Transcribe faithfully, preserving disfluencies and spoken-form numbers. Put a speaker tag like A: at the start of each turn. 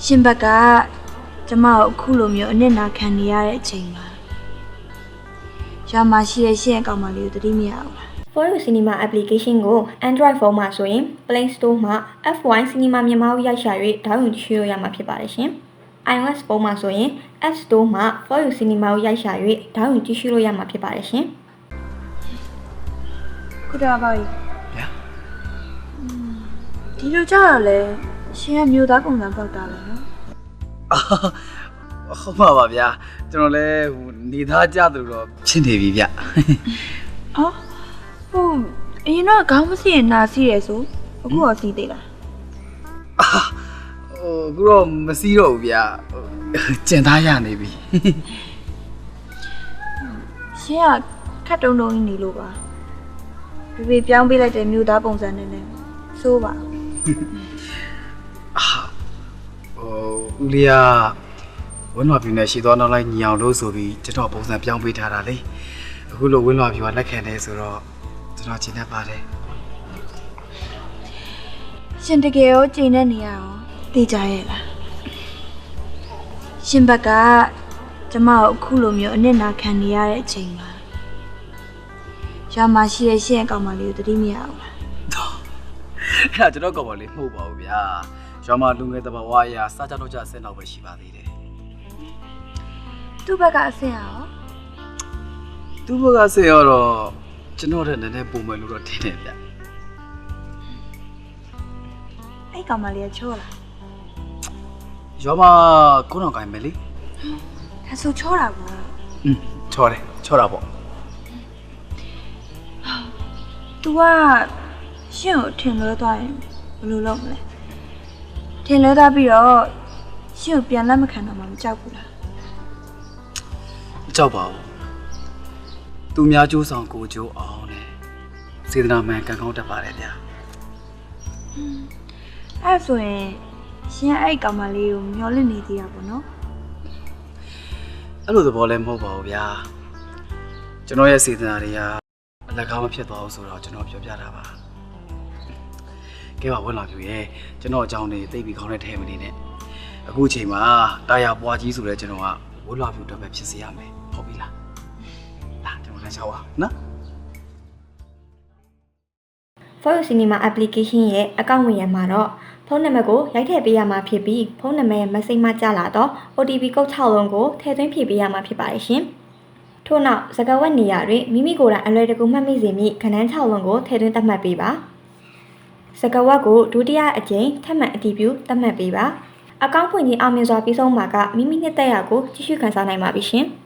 A: ရှင်ဘက်ကကျမကိုအခုလိုမျိုးအနစ်နာခံနေရတဲ့အချိန်မှာရွာမှာရှိတဲ့ရှင်အကောင်မလေးကိုသတိမရဘူးလား
B: Foyo Cinema application ကို Android phone မှာဆိုရင် Play Store မှာ F Y Cinema မြန်မာကိုရိုက်ရှာ၍ဒေါင်းလုဒ်ချိုးရမှာဖြစ်ပါတယ်ရှင်။ iOS ဖုန်းမှာဆိုရင် App Store မှာ Foyo Cinema ကိုရိုက်ရှာ၍ဒေါင်းလုဒ်ကြည့်ရှုလို့ရမှာဖြစ်ပါတယ်ရှင်။
A: ခုတော့ပါပြီ
C: ဗျာ
A: ဒီလိုကြတော့လေရှင်ကမျိုးသားပုံစံပေါက်တာလေနော်
C: ဟုတ်ပါပါဗျာကျွန်တော်လည်းဟိုနေသားကြသူတော့ဖြစ်နေပြီဗျ
A: အော်ဟုတ်အရင်တော့ခေါင်းမစီရင်နာစီရယ်ဆိုအခုတော့စီးသေးလား
C: ဟိုအခုတော့မစည်းတော့ဘူးဗျကျင်သားရနေပြီ
A: ရှင်ကခတ်တုံးတုံးကြီးနေလို့ပါပြပြပြောင်းပေးလိုက်တဲ့မျိုးသားပုံစံနဲ့လည်းစိုးပါ
C: အာဟိုဦးလေးကဝင်းလွာပြူနဲ့ရှီသွားနောက်လိုက်ညီအောင်လို့ဆိုပြီးကျွန်တော်ပုံစံပြောင်းပေးထားတာလေအခုလိုဝင်းလွာပြူကလက်ခံနေဆိုတော့ကျွန်တော်ကျင်တတ်ပါတယ်
A: ရှင်တကယ်ရောချိန်နေနေရအောင်သိကြရဲ့လားရှင်ဘက်ကကျမကိုအခုလိုမျိုးအနစ်နာခံနေရတဲ့အချိန်မှာရွာမှာရှိတဲ့ရှင်အကောင်မလေးကိုသတိမရဘူးလား
C: အဲ့ဒါကျွန်တော်ကော်ပေါ်လေးမှုတ်ပါဘူးဗျာရွာမှာလူငယ်တဘာဝအရာစားကြတော့ကြအဆင်တော့ပဲရှိပါသေးတယ်
A: သူ့ဘက်ကအဆင်ရော
C: သူ့ဘက်ကဆေးရတော့ကျွန်တော်တည်းနည်းနည်းပုံမယ်လို့တော့ထင်တယ်ဗျ
A: အဲ့ကောင်မလေးကချောလား
C: ရွာမှာကိုတော်ကိုင်းမယ်လေ
A: ဒါဆိုချောတာပေါ့
C: อืมချောတယ်ချောတာပေါ့
A: तू ကရှင်ကိုထင်လွဲသွားရင်ဘယ်လိုလုပ်မလဲထင်လွဲသွားပြီးတော့ရှင်ကိုပြန်လက်မခံတော့မှမကြောက်ဘူးလား
C: မကြောက်ပါဘူးသူများကြိုးဆောင်ကိုကြိုးအောင်နဲ့စေတနာမှန်ကံကောင်းတတ်ပါတယ်ဗျာ
A: အဲ့ဆိုရင်ရှင်အဲ့ကောင်မလေးကိုမျောလင့်နေသေးတာပေါ့နော်
C: အဲ့လိုသဘောလည်းမဟုတ်ပါဘူးဗျာကျွန်တော်ရဲ့စေတနာတွေကအလက်ကားမဖြစ်သွားဘူးဆိုတော့ကျွန်တော်ပြောပြတာပါကဲပါဝင်လာပြီရဲ့ကျွန်တော်အကြောင်းတွေသိပြီးခေါင်းနဲ့ထဲမနေနဲ့အခုအချိန်မှာတာယာပွားကြီးဆိုတဲ့ကျွန်တော်ကဝတ်လာပြူတော့ပဲဖြစ်စေရမယ်ဟုတ်ပြီလားလာကျွန်တော်လည်းရှောက်ပါနော်
B: Foyo Cinema application ရဲ့အကောင့်ဝင်ရမှာတော့ဖုန်းနံပါတ်ကိုရိုက်ထည့်ပေးရမှာဖြစ်ပြီးဖုန်းနံပါတ်ရဲ့ message မှာကြားလာတော့ O T P ကုတ်၆လုံးကိုထည့်သွင်းဖြည့်ပေးရမှာဖြစ်ပါတယ်ရှင်။ထို့နောက်စကားဝတ်နေရာတွင်မိမိကိုယ်တိုင်အလွယ်တကူမှတ်မိစေမည့်ခဏန်း၆လုံးကိုထည့်သွင်းသတ်မှတ်ပေးပါ။စကားဝတ်ကိုဒုတိယအကြိမ်ထပ်မံအတည်ပြုသတ်မှတ်ပေးပါ။အကောင့်ဖွင့်ခြင်းအောင်မြင်စွာပြီးဆုံးမှာကမိမိနှစ်သက်ရာကိုကြည့်ရှုခန်းစားနိုင်ပါပြီရှင်။